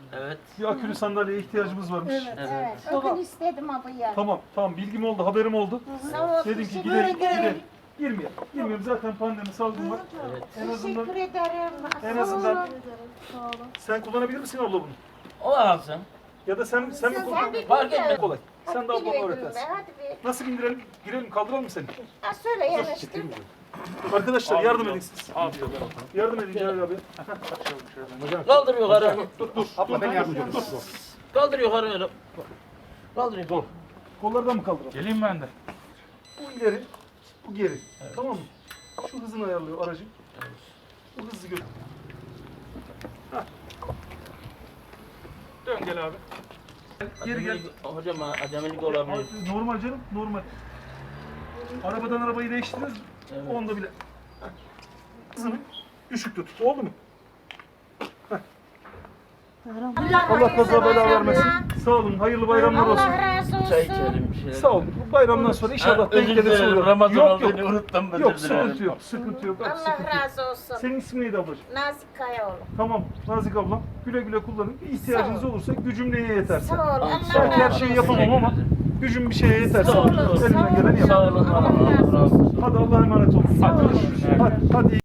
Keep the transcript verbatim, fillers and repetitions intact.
Evet. Bir akülü sandalyeye ihtiyacımız varmış. Evet, Evet. evet. O Tamam. gün istedim abi ya. Tamam, tamam. Bilgim oldu, haberim oldu. Sağ ol. Dedim ki teşekkür gidelim, ederim. gidelim. Girmeyelim. Girmeyelim. Zaten pandemi, salgın var. Evet. En azından Teşekkür ederim. en Sağ azından olun. Sağ olun. sen kullanabilir misin abla bunu? O alsın. Ya da sen sen mi Sen kullan? bir Fark bil de. etmez. Kolay. Sen de Hadi ablana bir öğretersin. be, Hadi bir. Nasıl bindirelim? Girelim, kaldıralım mı seni? Ha söyle yanaştır. Arkadaşlar yardım edin siz. Abi Yardım edin Celal abi. Kaldır yukarı. Dur, dur. abla ben yardımcı olayım. Kaldır yukarı öyle. Kaldır yukarı. Kollardan mı kaldıralım? Geleyim ben de. Bu ileri, bu geri. Tamam mı? Şu hızını ayarlıyor aracın. Bu hızı gör. Dön gel abi. Geri gel. Acemilik- Hocam acemilik olabilir. Normal canım, normal. Arabadan arabayı değiştiririz. Evet. Onda bile. Hızını düşük tut. Oldu mu? Allah kaza bela vermesin. Sağ olun, hayırlı bayramlar olsun. Allah razı olsun. Çay içelim bir şeyler. Sağ olun. Bu bayramdan sonra inşallah Ha, özür denk gelirse dilerim. olur. Ramazan Yok olduğunu yok. unuttum. özür Yok dilerim. sıkıntı yok. Sıkıntı yok. Bak, Allah sıkıntı yok. razı olsun. Senin ismin neydi ablacığım? Nazik Kayaoğlu. Tamam Nazik ablam. Güle güle kullanın. Bir ihtiyacınız Sağ ol. olursa gücüm neye yeterse. Sağ ol. Allah Belki her razı şeyi olsun. yapamam ama gücüm bir şeye yeterse Sağ olun, elimden sağ geleni olun. yaparım. Sağ olun. Allah razı olsun. Hadi Allah'a emanet olun. Sağ olun. Hadi, hadi.